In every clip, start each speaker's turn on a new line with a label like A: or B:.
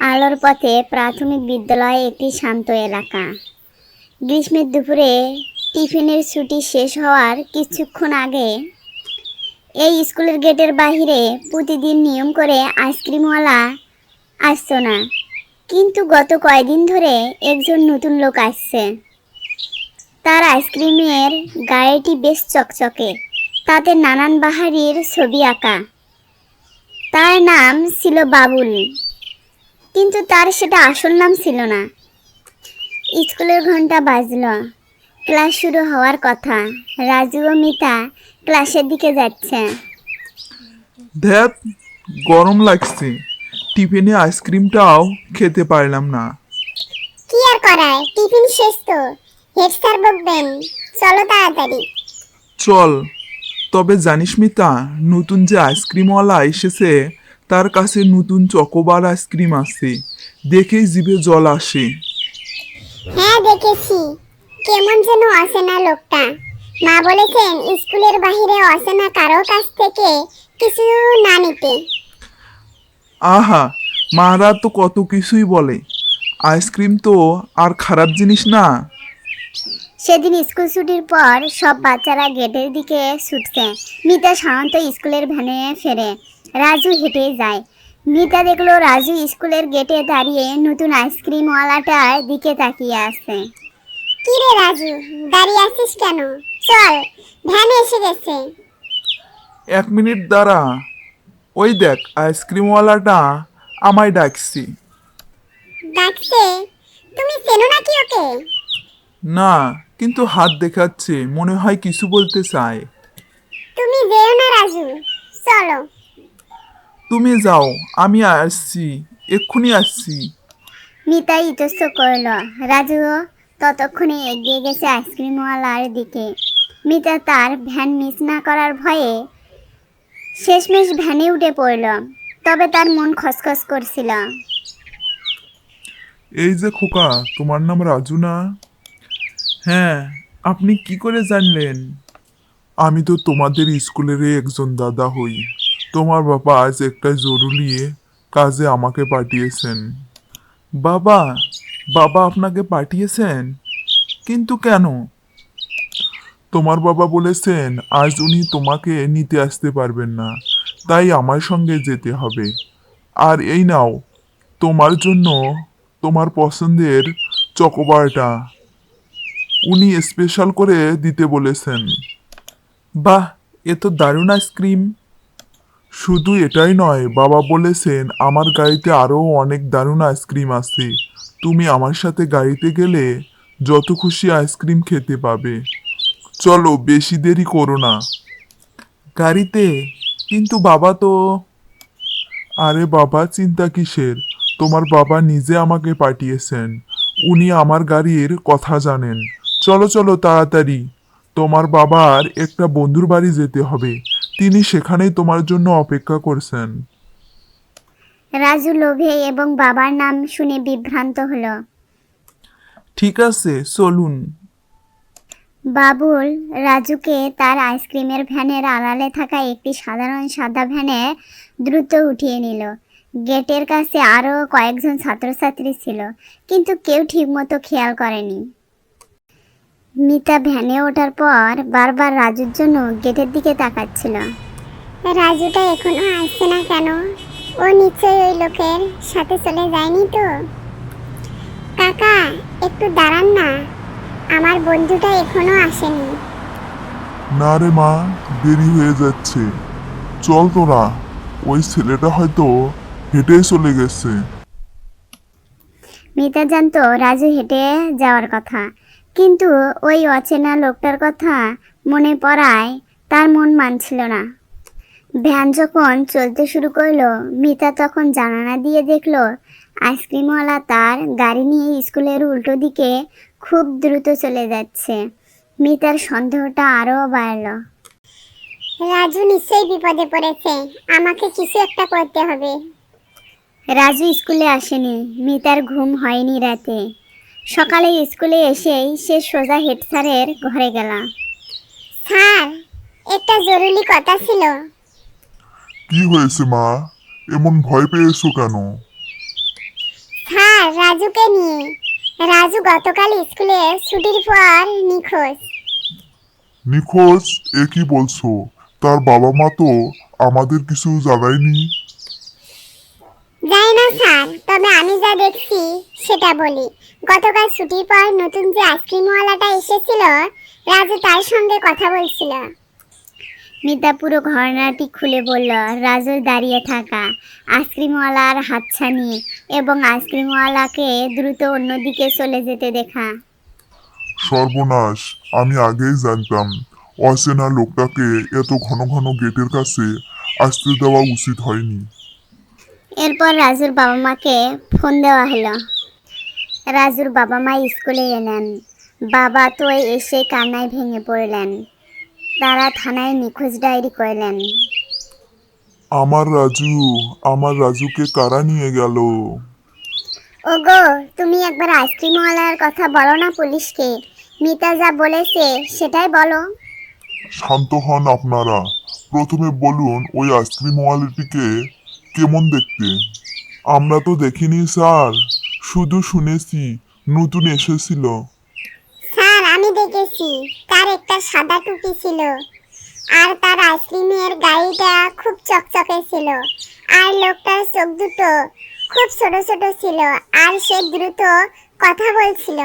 A: আলোর পথে প্রাথমিক বিদ্যালয় একটি শান্ত এলাকা। গ্রীষ্মের দুপুরে টিফিনের ছুটি শেষ হওয়ার কিছুক্ষণ আগে এই স্কুলের গেটের বাইরে প্রতিদিন নিয়ম করে আইসক্রিমওয়ালা আসতো না, কিন্তু গত কয়েকদিন ধরে একজন নতুন লোক আসছে। তার আইসক্রিমের গাড়িটি বেশ চকচকে, তাতে নানান বাহারির ছবি আঁকা। তার নাম ছিল বাবুল, কিন্তু তার সেটা আসল নাম ছিল না। স্কুলের ঘন্টা বাজল, ক্লাস শুরু হওয়ার কথা। রাজু ও মিতা ক্লাসের দিকে যাচ্ছে।
B: ধ্যাত, গরম লাগছে, টিফিনে আইসক্রিমটাও খেতে পারলাম না।
C: কি আর করার, টিফিন শেষ তো, হেড স্যার বকবেন। চলো তাড়াতাড়ি।
B: চল। তবে জানিস মিতা, নতুন যে আইসক্রিমওয়ালা এসেছে তার কাছে নতুন চকোবার আইসক্রিম আছে, দেখেই জিভে জল আসে।
C: হ্যাঁ দেখেছি, কেমন যেন অচেনা লোকটা। মা বলেছেন স্কুলের বাইরে অচেনা কারো কাছ থেকে কিছু না নিতে।
B: আহা, মারা তো কত কিছুই বলে, আইসক্রিম তো আর খারাপ জিনিস না।
A: সেদিন স্কুল ছুটির পর সব বাচ্চারা গেটের দিকে ছুটছে। মিতা সাধারণত স্কুলের ভ্যানে ফেরে, রাজু হেঁটে যায়। মিতা দেখলো রাজু স্কুলের গেটে দাঁড়িয়ে নতুন আইসক্রিমওয়ালাটার দিকে তাকিয়ে আছে।
C: কি রে রাজু, দাঁড়িয়ে আছিস কেন? চল, ভ্যান এসে গেছে।
B: 1 মিনিট দাঁড়া, ওই দেখ আইসক্রিমওয়ালাটা আমায় ডাকছি।
C: ডাকছে? তুমি চেনো নাকি ওকে?
B: না, কিন্তু হাত দেখাচ্ছে, মনে হয় কিছু বলতে চায়।
C: তুমি যেও না রাজু, চলো।
B: তুমি যাও, আমি আসছি, এক্ষুনি আসছি।
A: মিতা ইতস্ত করল। রাজু ততক্ষণে এগিয়ে গেছে আইসক্রিমওয়ালার দিকে। মিতা তার ভ্যান মিস না করার ভয়ে শেষমেশ ভ্যানে উঠে পড়ল, তবে তার মন খসখস করছিল।
B: এই যে খোকা, তোমার নাম রাজু না? হ্যাঁ, আপনি কি করে জানলেন? আমি তো তোমাদের স্কুলেরই একজন দাদা হই। তোমার বাবা আজ একটা জরুরি কাজে আমাকে পাঠিয়েছেন। বাবা? বাবা আপনাকে পাঠিয়েছেন? কিন্তু কেন? তোমার বাবা বলেছেন আজ উনি তোমাকে নিতে আসতে পারবেন না, তাই আমার সঙ্গে যেতে হবে। আর এই নাও, তোমার জন্য তোমার পছন্দের চকোবারটা উনি স্পেশাল করে দিতে বলেছেন। বাহ, এ তো দারুণ আইসক্রিম। শুধু এটাই নয়, বাবা বলেছেন আমার গাড়িতে আরও অনেক দারুণ আইসক্রিম আছে। তুমি আমার সাথে গাড়িতে গেলে যত খুশি আইসক্রিম খেতে পাবে। চলো, বেশি দেরি করো না। গাড়িতে? কিন্তু বাবা তো... আরে বাবা, চিন্তা কিসের? তোমার বাবা নিজে আমাকে পাঠিয়েছেন, উনি আমার গাড়ির কথা জানেন। চলো চলো তাড়াতাড়ি, তোমার বাবার একটা বন্ধুর বাড়ি যেতে হবে, তিনি সেখানেই তোমার জন্য অপেক্ষা করছেন।
A: রাজু লোভে এবং বাবার নাম শুনে বিভ্রান্ত হলো।
B: ঠিক আছে, চলুন।
A: বাবুল রাজুকে তার আইসক্রিমের ভ্যানের আড়ালে থাকা একটি সাধারণ সাদা ভ্যানে দ্রুত উঠিয়ে নিল। গেটের কাছে আরও কয়েকজন ছাত্রছাত্রী ছিল, কিন্তু কেউ ঠিকমতো খেয়াল করেনি। মিতা ভ্যানে ওঠার পর বারবার রাজুর জন্য গেটের দিকে তাকাচ্ছিল।
C: রাজুটা এখনো আসছে না কেন? ও নিশ্চয়ই ওই লোকের সাথে চলে যায়নি তো? কাকা, একটু দাঁড়ান না, আমার বন্ধুটা এখনো আসেনি।
D: না রে মা, দেরি হয়ে যাচ্ছে, চল তোরা, ওই ছেলেটা হয়তো হেঁটে চলে গেছে।
A: মিতা জানতো রাজু হেঁটে যাওয়ার কথা, কিন্তু ওই অচেনা লোকটার কথা মনে পড়ায় তার মন মানছিল না। ভ্যান যখন চলতে শুরু করলো, মিতা তখন জানালা দিয়ে দেখলো আইসক্রিমওয়ালা তার গাড়ি নিয়ে স্কুলের উল্টো দিকে খুব দ্রুত চলে যাচ্ছে। মিতার সন্দেহটা আরও বাড়ল।
C: রাজু নিশ্চয়ই বিপদে পড়েছে, আমাকে কিছু একটা করতে হবে।
A: রাজু স্কুলে আসেনি, মিতার ঘুম হয়নি রাতে। সকালে স্কুলে এসেই সে সোজা হেড স্যারের ঘরে গেল।
C: স্যার, একটা জরুরি কথা ছিল।
D: কি হয়েছে মা, এমন ভয় পেয়েছো কেন?
C: রাজুকে নিয়ে। রাজু গতকাল স্কুলে ছুটির পর নিখোঁজ।
D: নিখোঁজ? এ কি বলছো? তার বাবা মা তো আমাদের কিছু জানায়নি।
C: যাই না স্যার, তবে আমি যা দেখছি সেটা বলি। গতকাল ছুটির পর নতুন যে আইসক্রিমওয়ালাটা এসেছিল, রাজু তার সঙ্গে কথা বলছিল।
A: মিতা পুরো ঘটনাটি খুলে বলল। রাজুর দাঁড়িয়ে থাকা আইসক্রিমওয়ালার হাতছানি এবং আইসক্রিমওয়ালাকে দ্রুত অন্যদিকে চলে যেতে দেখা।
D: সর্বনাশ, আমি আগেই জানতাম অচেনা লোকটাকে এত ঘন ঘন গেটের কাছে আসতে দেওয়া উচিত হয়নি।
A: এরপর রাজুর বাবা মাকে ফোন দেওয়া হলো। রাজুর বাবা মা স্কুলে এলেন। বাবা তো এসে কান্নায় ভেঙে পড়লেন। তারা থানায় নিখোঁজ ডায়েরি করলেন।
D: আমার রাজুকে কারা নিয়ে গেল?
A: ওগো, তুমি একবার আইসক্রিমওয়ালার কথা বলো না পুলিশকে। মিতা যা বলেছে সেটাই বলো।
D: শান্ত হন আপনারা। প্রথমে বলুন ওই আইসক্রিমওয়ালাটিকে কেমন দেখতে? আমরা তো দেখিনি স্যার, শুধু শুনেছি নতুন এসেছিল।
C: স্যার, আমি দেখেছি তার একটা সাদা টুপি ছিল, আর তার আইসক্রিমের গাড়িটা খুব চকচকে ছিল, আর লোকটার চোখ দুটো খুব ছোট ছোট ছিল, আর সে দ্রুত কথা বলছিল।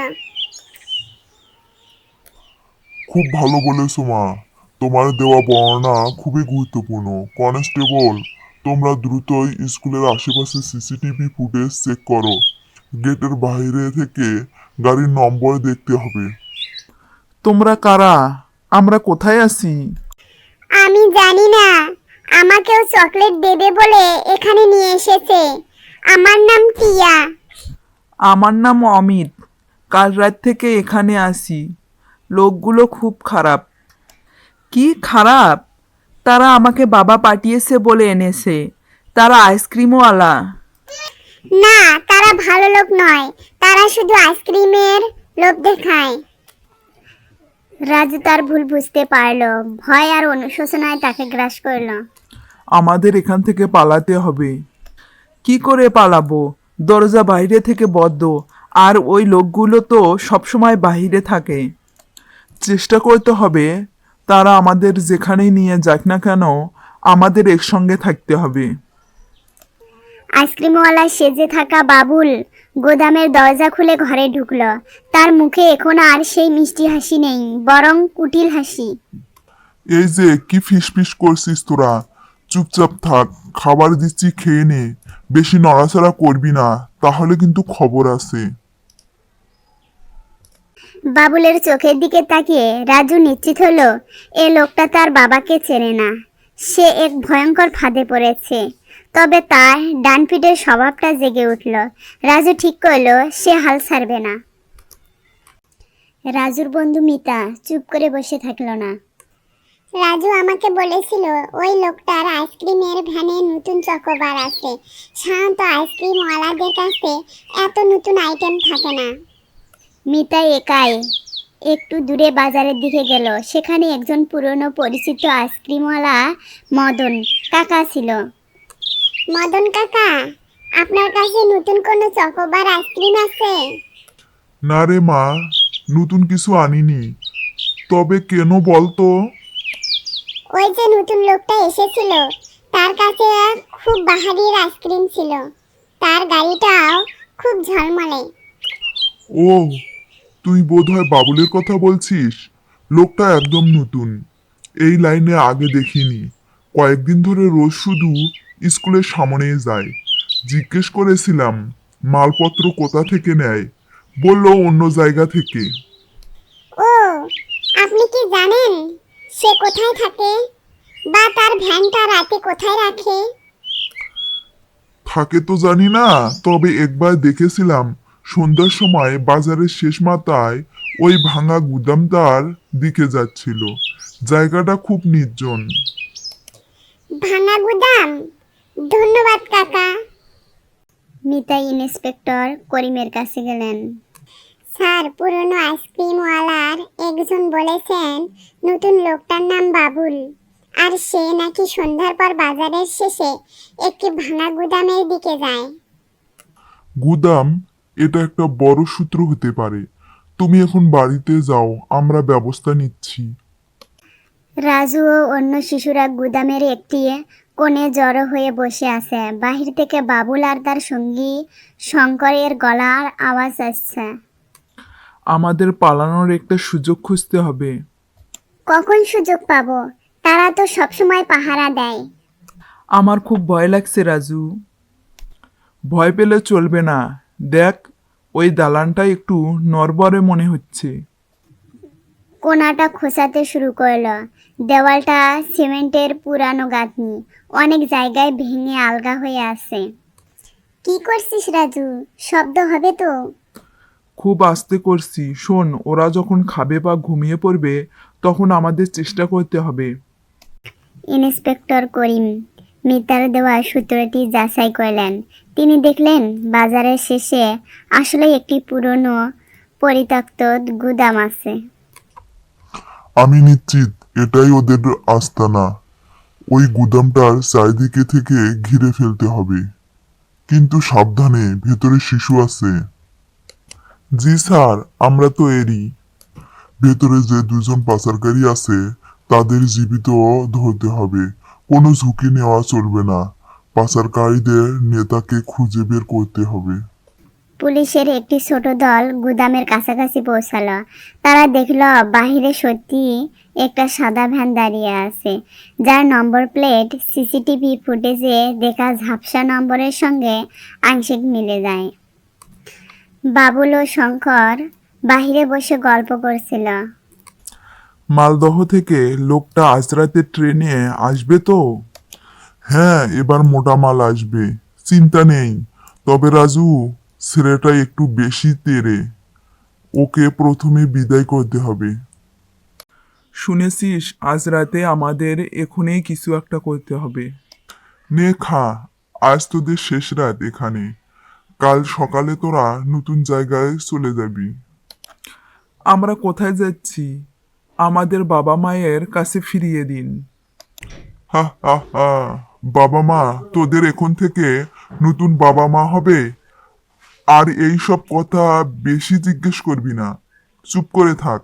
D: খুব ভালো বলেছো মা, তোমার দেওয়া বর্ণনা খুবই গুরুত্বপূর্ণ। কনস্টেবল, তোমরা দ্রুতই স্কুলের আশেপাশে সিসিটিভি ফুটেজ চেক করো। গেটের বাইরে থেকে গাড়ির নম্বর দেখতে হবে।
B: তোমরা কারা? আমরা কোথায় আছি?
C: আমি জানি না, আমাকেও চকলেট দেবে বলে এখানে নিয়ে এসেছে। আমার নাম টিয়া।
E: আমার নাম অমিত। কাল রাত থেকে এখানে আসি। লোকগুলো খুব খারাপ। কি খারাপ? তারা আমাকে বাবা পাঠিয়েছে বলে এনেছে। তারা আইসক্রিমওয়ালা।
C: না, তারা ভালো লোক নয়, তারা শুধু আইসক্রিমের লোভ দেখায়।
A: রাজু তার ভুল বুঝতে পারল। ভয় আর অনুশোচনায় তাকে গ্রাস করলো।
E: আমাদের এখান থেকে পালাতে হবে। কি করে পালাবো? দরজা বাইরে থেকে বদ্ধ, আর ওই লোকগুলো তো সবসময় বাইরে থাকে।
B: চেষ্টা করতে হবে। তারা আমাদের যেখানেই নিয়ে যাক না কেন, আমাদের একসঙ্গে থাকতে হবে।
A: আইসক্রিমওয়ালা সেজে থাকা বাবুল গোদামের দরজা খুলে ঘরে ঢুকলো। তার মুখে এখন আর সেই মিষ্টি হাসি নেই, বরং কুটিল হাসি।
D: এই যে কি ফিসফিস করছিস তোরা? চুপচাপ থাক, খাবার দিচ্ছি খেয়ে নে। বেশি নড়াচড়া করবি না, তাহলে কিন্তু খবর আছে।
A: বাবুলের চোখের দিকে তাকিয়ে রাজু নিশ্চিত হলো এ লোকটা তার বাবাকে চেনে না। সে এক ভয়ঙ্কর ফাঁদে পড়েছে। তবে তার ডান পিঠের স্বভাবটা জেগে উঠল। রাজু ঠিক করলো সে হাল ছাড়বে না। রাজুর বন্ধু মিতা চুপ করে বসে থাকলো না।
C: রাজু আমাকে বলেছিল ওই লোকটার আইসক্রিমের ভ্যানে নতুন চকোবার আছে। সাধারণত আইসক্রিমওয়ালাদের কাছে এত নতুন আইটেম থাকে না।
A: মিতা একাই একটু দূরে বাজারের দিকে গেল। সেখানে একজন পুরনো পরিচিত আইসক্রিমওয়ালা মদন কাকা ছিল।
C: মদন কাকা, আপনার কাছে নতুন কোনো চকোবার আইসক্রিম আছে?
D: না রে মা, নতুন কিছু আনিনি। তবে কেন বলতো?
C: ওই যে নতুন লোকটা এসেছিল, তার কাছে খুব বাহারির আইসক্রিম ছিল। তার গাড়িটাও খুব ঝলমলে।
D: ও, তুই বোধহয় বাবুলের কথা বলছিস। লোকটা একদম নতুন, এই লাইনে আগে দেখিনি। কয়েকদিন ধরে রোজ শুধু স্কুলের সামনেই যায়। জিজ্ঞেস করেছিলাম মালপত্র কোথা থেকে নেয়, বলল অন্য জায়গা থেকে।
C: ও, আপনি কি জানেন সে কোথায় থাকে, বা তার ভ্যানটা রাতে কোথায় রাখে?
D: থাকে তো জানি না, তবে একবার দেখেছিলাম সন্ধ্যার সময় বাজারের শেষ মাথায় ওই ভাঙা গুদামটার দিকে যাচ্ছিল। জায়গাটা খুব নির্জন।
C: ভাঙা গুদাম? ধন্যবাদ কাকা।
A: মিতা ইন্সপেক্টর করিমের কাছে গেলেন।
C: স্যার, পুরনো আইসক্রিমওয়ালার একজন বলেছেন নতুন লোকটার নাম বাবুল, আর সে নাকি সন্ধ্যার পর বাজারের শেষে একটি ভাঙা গুদামের দিকে যায়।
D: গুদাম? এটা একটা বড় সূত্র হতে পারে। তুমি এখন বাড়িতে যাও, আমরা ব্যবস্থা নিচ্ছি।
A: রাজু ও অন্য শিশুরা গুদামের একটি কোণে জড়ো হয়ে বসে আছে। বাহির থেকে বাবুল আর তার সঙ্গী শঙ্করের গলার আওয়াজ আসছে।
E: আমাদের পালানোর একটা সুযোগ খুঁজতে হবে।
C: কখন সুযোগ পাবো? তারা তো সবসময় পাহারা দেয়।
E: আমার খুব ভয় লাগছে রাজু। ভয় পেলে চলবে না। দেখ, ওই দালানটা একটু নড়বড়ে মনে হচ্ছে।
A: কোণাটা খোঁচাতে শুরু করলো। দেওয়ালটা সিমেন্টের পুরানো গাঁথনি, অনেক জায়গায় ভেঙে আলগা হয়ে আছে।
C: কি করছিস রাজু? শব্দ হবে তো।
E: খুব আস্তে করছি। শোন, ওরা যখন খাবে বা ঘুমিয়ে পড়বে তখন আমাদের চেষ্টা করতে হবে।
A: ইন্সপেক্টর করিম মিতার দেওয়া সূত্রটি যাচাই করলেন। তিনি দেখলেন বাজারের শেষে আসলে একটি পুরনো পরিত্যক্ত গুদাম আছে।
D: আমি নিশ্চিত এটাই ওদের আস্তানা। ওই গুদামটার চারিদিকে থেকে ঘিরে ফেলতে হবে, কিন্তু সাবধানে, ভেতরে শিশু আছে। জি স্যার, আমরা তো এরই। ভেতরে যে দুজন পাচারকারী আছে তাদের জীবিত ধরতে হবে, কোনো ঝুঁকি নেওয়া চলবে না। পাচারকারীদের নেতাকে খুঁজে বের করতে হবে।
A: পুলিশের একটি ছোট দল গুদামের কাছাকাছি পৌঁছালো। তারা দেখল বাহিরে সত্যি একটা সাদা ভ্যান দাঁড়িয়ে আছে, যার নম্বর প্লেট সিসিটিভি ফুটেজে দেখা ঝাপসা নম্বরের সঙ্গে আংশিক মিলে যায়। বাবুল ও শঙ্কর বাহিরে বসে গল্প করছিল।
B: মালদহ থেকে লোকটা আজ রাতে ট্রেনে আসবে তো?
D: হ্যাঁ, এবার মোটা মাল আসবে, চিন্তা নেই। তবে রাজু, ছেলেটা একটু বেশি তেরে। ওকে প্রথমে বিদায় করতে হবে।
E: শুনেছিস, আজ রাতে আমাদের এখনই কিছু একটা করতে হবে।
D: নে খা, আজ তোদের শেষ রাত এখানে। কাল সকালে তোরা নতুন জায়গায় চলে যাবি।
E: আমরা কোথায় যাচ্ছি? আমাদের বাবা মায়ের কাছে ফিরিয়ে দিন।
D: হা হা হা, বাবা মা? তোদের এখন থেকে নতুন বাবা মা হবে। আর এই সব কথা বেশি জিজ্ঞেস করবি না, চুপ করে থাক।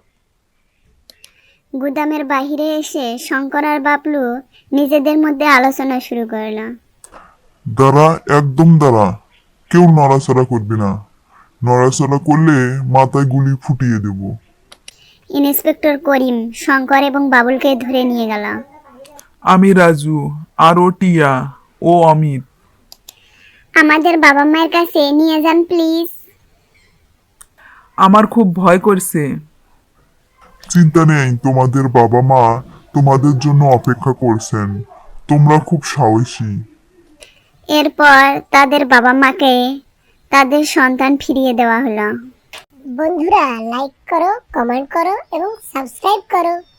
A: গুদামের বাহিরে এসে শঙ্কর আর বাবলু নিজেদের মধ্যে আলোচনা শুরু করলো।
D: দাঁড়া, একদম দাঁড়া। কেউ নড়াচড়া করবি না। নড়াচড়া করলে মাথায় গুলি ফুটিয়ে দেব।
A: ইন্সপেক্টর করিম শঙ্কর এবং বাবুলকে ধরে নিয়ে গেল।
E: আমি রাজু, আর ও টিয়া, ও অমিত।
C: আমাদের বাবা মায়ের কাছে নিয়ে যান প্লিজ।
E: আমার খুব ভয় করছে।
D: চিন্তা নেই, তোমাদের বাবা মা তোমাদের জন্য অপেক্ষা করছেন। তোমরা খুব সাহসী।
A: এরপর তাদের বাবা মাকে তাদের সন্তান ফিরিয়ে দেওয়া হলো।
C: বন্ধুরা, লাইক করো, কমেন্ট করো এবং সাবস্ক্রাইব করো।